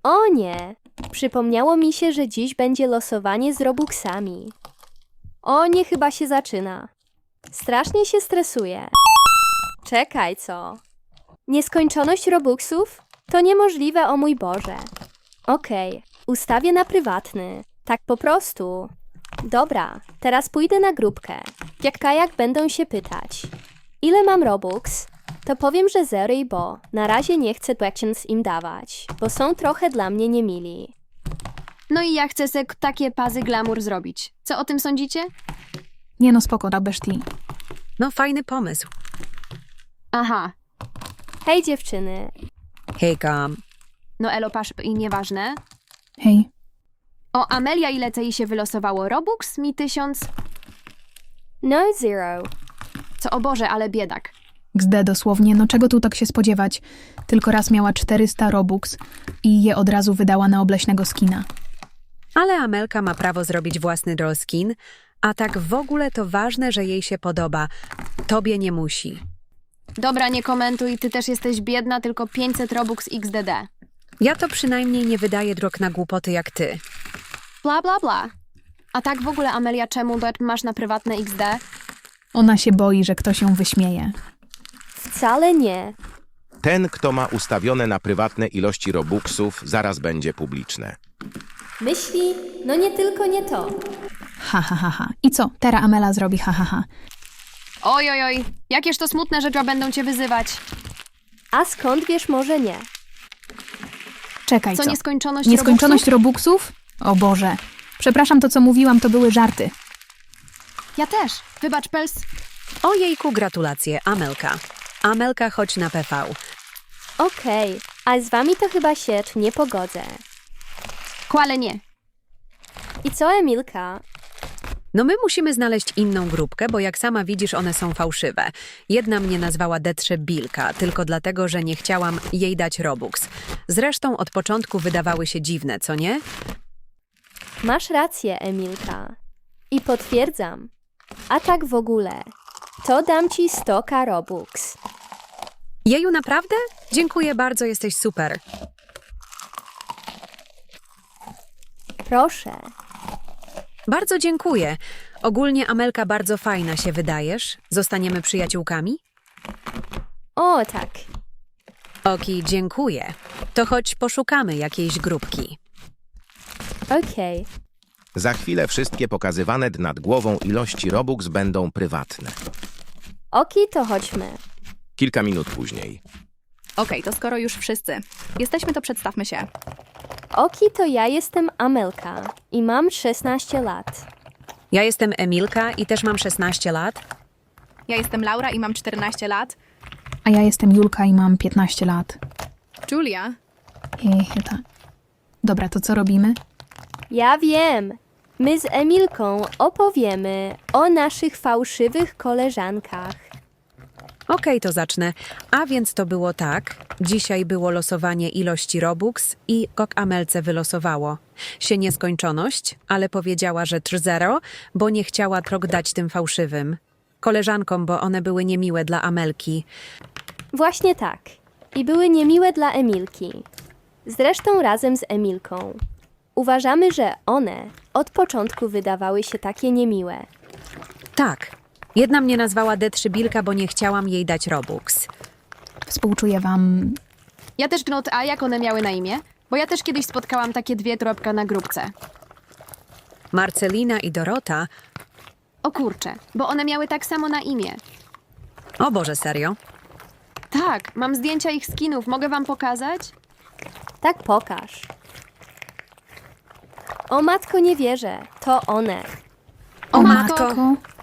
O nie! Przypomniało mi się, że dziś będzie losowanie z Robuxami. O nie, chyba się zaczyna. Strasznie się stresuję. Czekaj, co? Nieskończoność Robuxów? To niemożliwe, o mój Boże. Okej, ustawię na prywatny. Tak po prostu. Dobra, teraz pójdę na grupkę. Jak kajak będą się pytać. Ile mam Robux? To powiem, że 0, bo na razie nie chcę Blackchance im dawać, bo są trochę dla mnie niemili. No i ja chcę se takie pazy glamour zrobić. Co o tym sądzicie? Nie no, spoko, Rabeszti. No fajny pomysł. Aha. Hej dziewczyny. Hejka. No elo pasz i nieważne. Hej. O, Amelia, ile tej się wylosowało? Robux? Mi 1000? No 0. Co, o Boże, ale biedak. XD dosłownie, no czego tu tak się spodziewać? Tylko raz miała 400 Robux i je od razu wydała na obleśnego skina. Ale Amelka ma prawo zrobić własny skin, a tak w ogóle to ważne, że jej się podoba. Tobie nie musi. Dobra, nie komentuj, ty też jesteś biedna, tylko 500 Robux XDD. Ja to przynajmniej nie wydaję drog na głupoty jak ty. Bla, bla, bla. A tak w ogóle, Amelia, czemu masz na prywatne XD? Ona się boi, że ktoś ją wyśmieje. Wcale nie. Ten, kto ma ustawione na prywatne ilości Robuxów, zaraz będzie publiczne. Myśli? No nie tylko nie to. Ha, ha, ha, ha. I co? Teraz Amela zrobi ha, ha, ha. Oj, oj, oj. Jakież to smutne, że będą cię wyzywać. A skąd wiesz, może nie? Czekaj, Co, co? nieskończoność Nieskończoność Robuxów? Robuxów? O Boże. Przepraszam, to co mówiłam, to były żarty. Ja też. Wybacz, Pels. Ojejku, gratulacje, Amelka. Amelka, chodź na PV. Okej, a z wami to chyba się nie pogodzę. Kłale nie. I co, Emilka? No my musimy znaleźć inną grupkę, bo jak sama widzisz, one są fałszywe. Jedna mnie nazwała Detrzebilka, tylko dlatego, że nie chciałam jej dać Robux. Zresztą od początku wydawały się dziwne, co nie? Masz rację, Emilka. I potwierdzam. A tak w ogóle, to dam ci 100 Robux. Jeju, naprawdę? Dziękuję bardzo, jesteś super. Proszę. Bardzo dziękuję. Ogólnie, Amelka, bardzo fajna się wydajesz. Zostaniemy przyjaciółkami? O, tak. Oki, dziękuję. To chodź poszukamy jakiejś grupki. Okej. Za chwilę wszystkie pokazywane nad głową ilości Robux będą prywatne. Oki, to chodźmy. Kilka minut później. Okej, to skoro już wszyscy jesteśmy, to przedstawmy się. Oki, to ja jestem Amelka i mam 16 lat. Ja jestem Emilka i też mam 16 lat. Ja jestem Laura i mam 14 lat. A ja jestem Julka i mam 15 lat. Julia. Tak. Dobra, to co robimy? Ja wiem. My z Emilką opowiemy o naszych fałszywych koleżankach. Okej, to zacznę. A więc to było tak. Dzisiaj było losowanie ilości Robux i kok Amelce wylosowało się nieskończoność, ale powiedziała, że 3-0, bo nie chciała trok dać tym fałszywym koleżankom, bo one były niemiłe dla Amelki. Właśnie tak. I były niemiłe dla Emilki. Zresztą razem z Emilką. Uważamy, że one od początku wydawały się takie niemiłe. Tak. Jedna mnie nazwała Detrzybilka, bo nie chciałam jej dać Robux. Współczuję wam. Ja też gnot, a jak one miały na imię? Bo ja też kiedyś spotkałam takie dwie tropka na grupce. Marcelina i Dorota. O kurczę, bo one miały tak samo na imię. O Boże, serio? Tak, mam zdjęcia ich skinów, mogę wam pokazać? Tak pokaż. O matko, nie wierzę. To one. O matko!